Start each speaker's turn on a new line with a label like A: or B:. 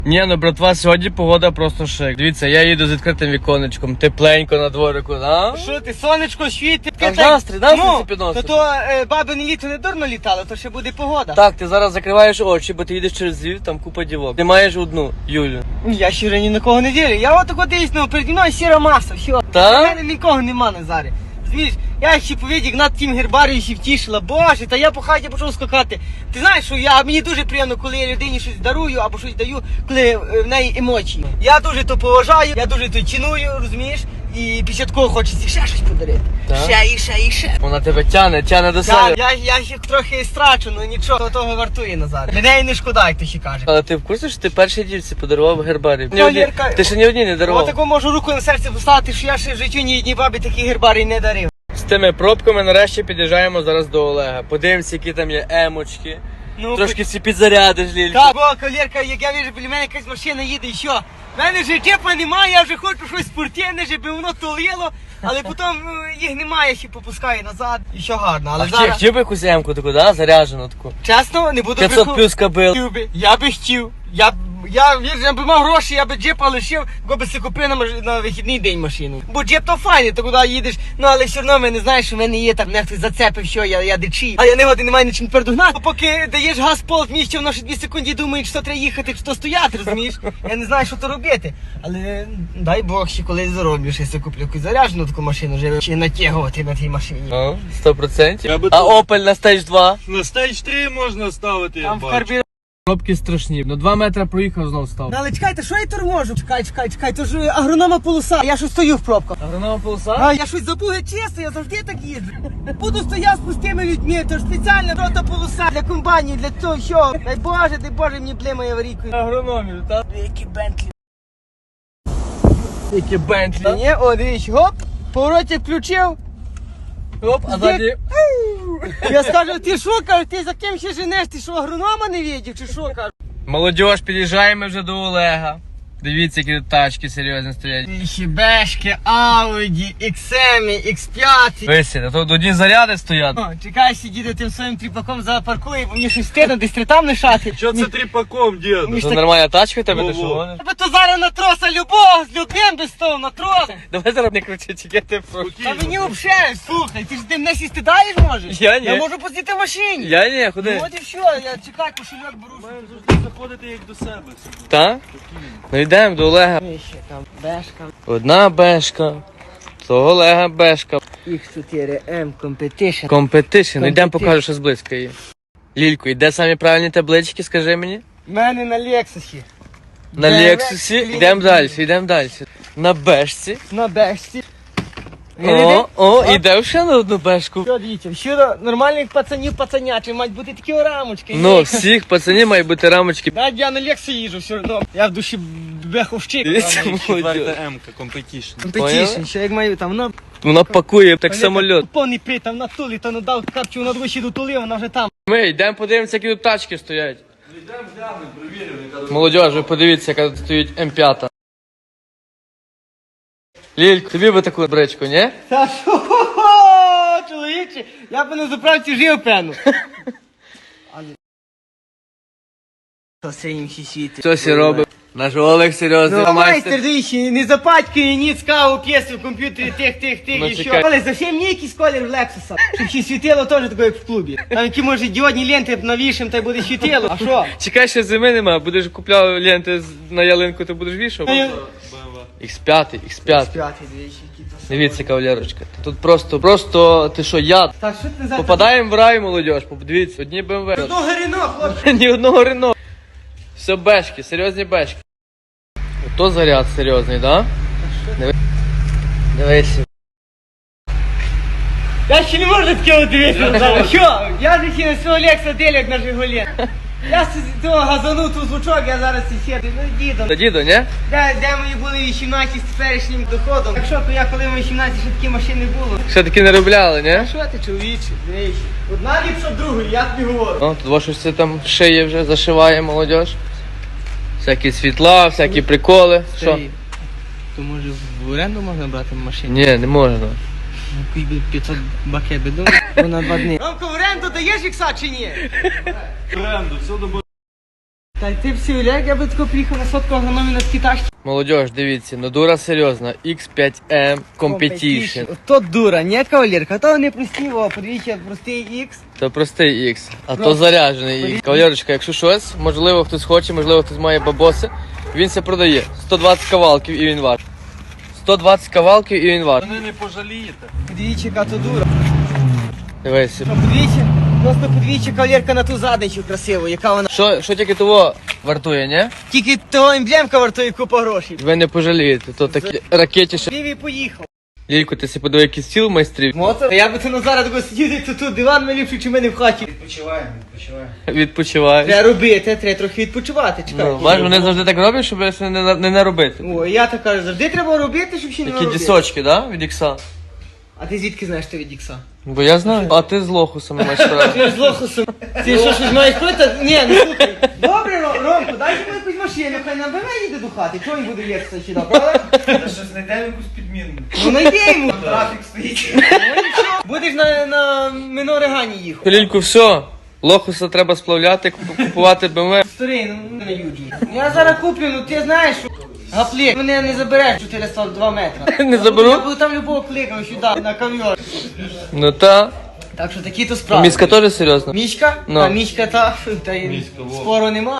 A: Ні, ну, братва, сьогодні погода просто шик. Дивіться, я їду з відкритим віконечком, тепленько на дворику, а?
B: Що ти, сонечко світить?
A: Там настрій це підносить.
B: То бабине літо не дурно літало, то ще буде погода.
A: Так, ти зараз закриваєш очі, бо ти їдеш через Львів, там купа дівок. Ти маєш одну, Юлю.
B: Я ще ні на кого не вірю. Я отако дивлюсь, ну, переді мною сіра маса, все.
A: Та?
B: У мене нікого нема, Назаре. Розумієш, я ще повідік над тим гербарію ще втішила. Боже, та я по хаті почав скакати. Ти знаєш, що мені дуже приємно, коли я людині щось дарую або щось даю, коли в неї емоції. Я дуже то поважаю, я дуже то ціную, розумієш? І після такого хочеться ще щось подарити.
A: Так?
B: Ще.
A: Вона тебе тяне до себе.
B: Я ще трохи страчу, ну нічого, того вартує, Назар. Мене і не шкода, як ти ще каже.
A: Але ти в курсі, що ти першій дівці подарував гербарій?
B: Валерка,
A: Ти ще ні одній не дарував.
B: Отако можу руку на серце поставити, що я ще в житті ні одній бабі такий гербарій не дарив.
A: З тими пробками нарешті під'їжджаємо зараз до Олега. Подивимося, які там є емочки.
B: Ну,
A: Трошки всі підзарядиш, Лілька.
B: так, бо, кавалерка, як я вижу, біля мене якась машина їде і що? В мене вже тепла немає, я вже хочу щось спортивне, щоб воно тулило, але потім їх немає, ще попускаю назад. І що гарно, але зараз...
A: Хотів би якусь емку таку, да? Заряджену таку.
B: Чесно, не буду
A: 500 плюс кабел.
B: Я би хотів. Я би мав гроші, я би джипа лишив, бо би си купив на вихідний день машину. Бо джип то файний, то куди їдеш, ну але все одно мене знаєш, що в мене є там, мене хтось зацепив, що я дичий. А я не годин, немає нічим тепер догнати. Поки даєш газ полк місце, воно ще 2 секунди думає, що треба їхати, чи то стояти, розумієш? Я не знаю, що то робити. Але дай Бог, ще колись зароблю, що я куплю якусь заряджену таку машину, вже ще натягувати на тій машині.
A: Ну, 100%.
C: Я би
A: А
C: тут-
A: Opel на Stage 2?
C: На стейдж 3 можна ставити, я
B: Там в
C: бачу.
B: карбі...
A: Пробки страшні. Ну 2 метри проїхав, знов став.
B: Ну, але чекайте, що я торможу? Чекай, то ж агронома полоса, я щось стою в пробках.
A: Агронома полоса?
B: А я щось забув, чесно, я завжди так їжджу. Буду стояти з пустими людьми, то ж спеціальна рота полоса для комбайнів, для того, що. Дай Боже, мені блимає аварійкою.
A: Агрономів, так?
B: Які Бентлі.
A: Які Бентлі.
B: Ні, о, дивіться, гоп, повороті включив.
A: Оп, а ззаді...
B: Я скажу, ти що, кажу, ти за ким ще женеш, ти що, агронома не видів, чи що, кажу?
A: Молодіж, під'їжджаємо вже до Олега. Дивіться, які тут тачки серйозні стоять.
B: Бешки, Ауді, XM, X5.
A: Висі, тут одні заряди стоять.
B: О, чекай, сидіти тим своїм тріпаком запаркує, бо мені щось стидно, десь там лишати.
C: Що це тріпаком, діду?
B: Мені ж
A: Це
B: так-
A: нормальна тачка в тебе, ти
C: Ну,
A: що
C: во.
A: гониш?
B: Тебе то зараз на троса любого, з людьми би став на трос.
A: Давай зараз не кричи, тільки ти прошу.
B: Та мені взагалі, слухай, ти ж ти мене сісти даєш можеш?
A: Я ні.
B: Я можу посидіти в машині.
A: Я ні,
B: Ну
A: ходи.
B: от і все, я чекай, кошельок беру.
C: Маємо завжди заходити як до себе.
A: Та? Ну йдемо до Олега.
B: Ще там бешка,
A: Одна бешка, то Олега бешка.
B: X4M Competition.
A: Компетишн. Ну йдемо
B: Competition.
A: покажу, що зблизька є. Лілько, і де самі правильні таблички, скажи мені?
B: В мене на Лексусі.
A: На
B: Де
A: Лексусі.
B: Лексус?
A: Йдемо далі. На бешці.
B: На бешці.
A: І де ще на одну бешку.
B: Що, дивіться, щодо нормальних пацанів пацанячі, мають бути такі рамочки.
A: Ну, всіх пацанів мають бути рамочки.
B: Так, я на Лексу їжджу все одно. Я в душі беховщик.
A: Дивіться, молодь.
C: Четверта М-ка, компетішн.
B: Competition, що як маю там, воно...
A: Вона пакує, так самольот.
B: Повний при, там на тулі, то надав капчу на двічі дотулив, вона вже там.
A: Ми йдемо подивимося, які тут тачки стоять. Молодіж, ви подивіться, яка тут стоїть М5. Лілько, тобі би таку бричку, ні?
B: Та що, чоловіче, я б на заправці жив, певно. Що це їм ще світить?
A: Що сі робить? Наш Олег серйозний
B: Ну, майстер,
A: майстер.
B: дивіться, не запатькає ніц каву, п'єси в комп'ютері, тих,
A: Ну,
B: і що.
A: чекай.
B: Але зовсім ні якийсь колір в Лексуса. Щоб ще світило теж таке, як в клубі. Там які, може, діодні ленти навішим, та й буде світило. А що?
A: Чекай, ще зими нема, будеш купляв ленти на ялинку, ти будеш вішав? X5, X5.
B: П'ятий, двічі, які то.
A: Дивіться, кавалерочка. Тут просто, ти що, яд?
B: Так, що ти за...
A: Попадаємо в рай, молодіж, подивіться, одні БМВ.
B: Одного Рено, хлопці.
A: Ні одного Рено. Все бешки, серйозні бешки. Ото заряд серйозний, да? Дивись.
B: Я ще не можу таке дивитися. Що? Я ж ще на свого Лекса делю, як на Жигулі. Я з того газанув ту звучок, я зараз і сіду. Ну, дідом.
A: Та дідо, ні?
B: Де мої були 18 з теперішнім доходом. Так що, то я коли мені 18, ще такі машини було.
A: Ще таки не робляли, ні?
B: А що ти, чоловіче? Дивись. Одна ліпша другої, я тобі говорю.
A: О, тут во щось це там шиє вже, зашиває молодіж. Всякі світла, всякі приколи. Що?
B: То може в оренду можна брати машину?
A: Ні, не можна.
B: Ну, 500 бакет біду, на 2 дні. Ромко, в оренду даєш ікса чи ні?
C: Тренду, все добре.
B: Та ти всі уляг, я би тако приїхав на сотку агрономії на такій тачці.
A: Молодіж, дивіться, ну дура серйозна. X5M Competition.
B: То дура, не кавалерка, то не прості, о, подивіться, простий X.
A: Це простий X, а то
B: Просто.
A: заряджений X. Кавалерочка, якщо щось, можливо хтось хоче, можливо хтось має бабоси, він це продає. 120 кавалків і він ваш. 120 кавалків і він ваш.
C: Вони не пожалієте.
B: Подивіться, яка то дура.
A: Дивися.
B: Ну, подивіться, просто подивіться, кавалерка на ту задницю красиву, яка вона.
A: Що тільки того вартує, ні?
B: Тільки того емблемка вартує купа грошей.
A: Ви не пожалієте, то такі ракеті ще.
B: Лівій поїхав.
A: Лілько, ти си подивив якийсь стіл майстрів?
B: Мотор? Та я би це на зараз такого сидів, то тут диван мій ліпший, чи в мене в хаті.
A: Відпочиваєш.
B: Треба робити, треба трохи відпочивати, чекай.
A: Ну, бачиш, вони завжди так роблять, щоб не наробити.
B: О, я так кажу, завжди треба робити, щоб ще не
A: Такі
B: робити.
A: дісочки, да? Від ікса.
B: А ти звідки знаєш, що від Ікса?
A: Бо я знаю. А ти з лохусом маєш справу.
B: Ти ж з лохусом. Ти що, щось маєш проти? Ні, ну слухай. Добре, Ромко, дай йому якусь машину, хай нам БМ їде до хати. Чого він буде їхати сюди, правда?
D: Щось знайдемо якусь підмінну.
B: Ну найди йому.
D: Трафік стоїть.
B: Ну нічого. Будеш на Минорегані їхати.
A: Лільку, все. Лохуса треба сплавляти, купувати БМВ.
B: Старий, ну не юджу. Я зараз куплю, ну ти знаєш, що гаплік, мене не забереш 402 метри.
A: Не заберу?
B: Я буду там любого кликав сюди, на ковьор.
A: Ну та.
B: Так що такі то справи.
A: Міська теж серйозно.
B: Мічка?
A: Ну.
B: А мічка та й спору нема.